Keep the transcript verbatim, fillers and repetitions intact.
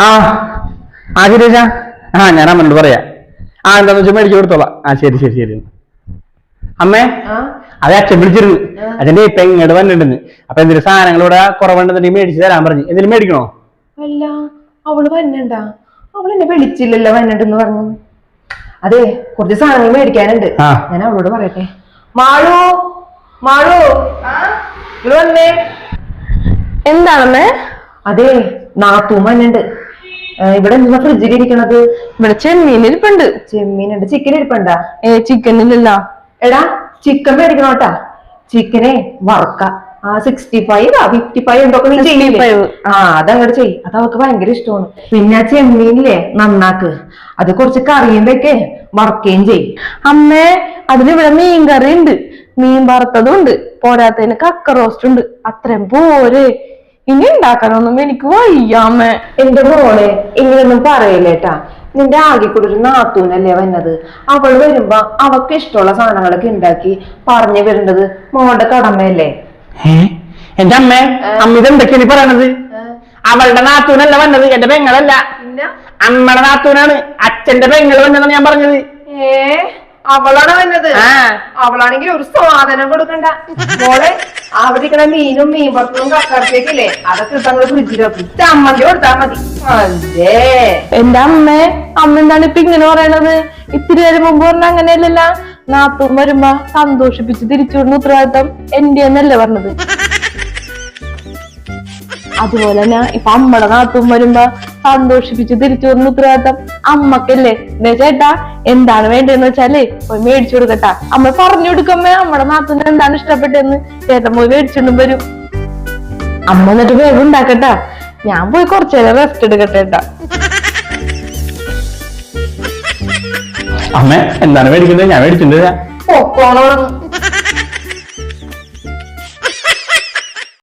ആ ആ ശരി ചേച്ചാ. ആ ഞാൻ അമ്മനോട് പറയാ. ആ എന്താന്ന് വെച്ചാൽ മേടിച്ചു കൊടുത്തോളാം. ആ ശരി ശരി ശരി. അമ്മേ അത് അച്ഛൻ വിളിച്ചിരുന്നു. അച്ഛൻ്റെ ഇപ്പൊ ഇങ്ങോട്ട് വന്നിട്ടുണ്ടെന്ന്. അപ്പൊ എന്തെങ്കിലും സാധനങ്ങൾ ഇവിടെ കുറവുണ്ടെന്നുണ്ടെങ്കിൽ മേടിച്ചു തരാൻ പറഞ്ഞു. എന്തെങ്കിലും മേടിക്കണോ? അല്ല അവള് വന്നണ്ടാ? അവൾ എന്നെ വിളിച്ചില്ലല്ലോ വന്നിട്ടെന്ന് പറഞ്ഞു. അതെ കുറച്ച് സാധനങ്ങൾ മേടിക്കാനുണ്ട്. ഞാൻ അവളോട് പറയട്ടെ. മാളു മാളു ഇത് വന്നേ. എന്താണെന്നേ? അതെ നാത്തൂൻ വന്നുണ്ട്. ഇവിടെ എന്താ ഫ്രിഡ്ജിൽ ഇരിക്കണത്? ഇവിടെ ചെമ്മീൻ ഇരിപ്പുണ്ട്. ചെമ്മീനുണ്ട്. ചിക്കൻ ഇരിപ്പുണ്ടാ? ഏ ചിക്കൻ ഇല്ലല്ലോ. എടാ ചിക്കൻ മേടിക്കണോട്ടാ. ചിക്കനെ വറക്ക. ആ സിക്സ്റ്റി ഫൈവ് ആ ഫിഫ്റ്റി ഫൈവ് എന്തൊക്കെ നീ ചെയ്യില്ലേ? ആ അതങ്ങോട്ട് ചെയ്. അത് അവൾക്ക് ഭയങ്കര ഇഷ്ടമാണ്. പിന്നെ ആ ചെമ്മീനില്ലേ നന്നാക്ക്. അത് കുറച്ച് കറിയും വെക്കേ വറക്കുകയും ചെയ്. അമ്മേ അതിലിവിടെ മീൻ കറി ഉണ്ട്, മീൻ വറുത്തതും ഉണ്ട്, പോരാത്തതിന് കക്ക റോസ്റ്റ് ഉണ്ട്. അത്രയും പോരെ. ഇനി ഉണ്ടാക്കാനൊന്നും എനിക്ക് വയ്യാമ്മേ. എന്റെ മോളെ ഇങ്ങനൊന്നും പറയില്ലേട്ടാ. നിന്റെ ആകെ കൂടെ ഒരു നാത്തൂനല്ലേ വന്നത്. അവൾ വരുമ്പോ അവക്ക് ഇഷ്ടമുള്ള സാധനങ്ങളൊക്കെ ഉണ്ടാക്കി പറഞ്ഞു വരേണ്ടത് മോളുടെ കടമയല്ലേ? എന്റെ അമ്മ അമ്മ ഇതെന്തൊക്കെയാണ് പറയണത്? അവളുടെ നാത്തൂനല്ല വന്നത്, എന്റെ പെങ്ങളല്ല, അമ്മയുടെ നാത്തൂനാണ്. അച്ഛന്റെ പെങ്ങൾ വന്നതാണ് ഞാൻ പറഞ്ഞത്. ഏ അവളാണ് വന്നത്? അവളാണെങ്കിൽ ഒരു സാധനം കൊടുക്കണ്ട മോളെ. അവിടെ ഇരിക്കണ മീനും മീൻ വറുത്തതും കക്കറത്തേക്കില്ലേ അതൊക്കെ ഇട്ടങ്ങള് ഫ്രിഡ്ജിൽ വെക്കും. ചമ്മന്തി കൊടുത്താൽ മതി. അല്ലേ എന്റെ അമ്മേ, അമ്മ എന്താണ് ഇപ്പൊ ഇങ്ങനെ പറയണത്? ഇത്തിരി നേരം മുമ്പ് പറഞ്ഞ അങ്ങനെയല്ലല്ല. നാത്തൂൻ വരുമ്പോ സന്തോഷിപ്പിച്ച് തിരിച്ചുവിടുന്ന ഉത്തരവാദിത്തം എന്റെ എന്നല്ലേ പറഞ്ഞത്. അതുപോലെ തന്നെ ഇപ്പൊ അമ്മയുടെ നാത്തൂൻ വരുമ്പോ സന്തോഷിപ്പിച്ച് തിരിച്ചു വരുന്ന ഉത്തരവാദിത്തം അമ്മക്കല്ലേ. എന്നെ ചേട്ടാ എന്താണ് വേണ്ടതെന്ന് വെച്ചാല് പോയി മേടിച്ചു കൊടുക്കട്ടാ. അമ്മ പറഞ്ഞു കൊടുക്കമ്മേ അമ്മയുടെ നാത്തൂന് എന്താണ് ഇഷ്ടപ്പെട്ടെന്ന്. ചേട്ടൻ പോയി മേടിച്ചോണ്ടും വരും. അമ്മ എന്നിട്ട് വേഗം ഉണ്ടാക്കട്ടാ. ഞാൻ പോയി കുറച്ചു നേരം റെസ്റ്റ് എടുക്കട്ടെട്ടാ. അമ്മ എന്താണ് മേടിക്കുന്നത്? ഞാൻ മേടിച്ചിട്ടുണ്ട്. പൊക്കോണോ?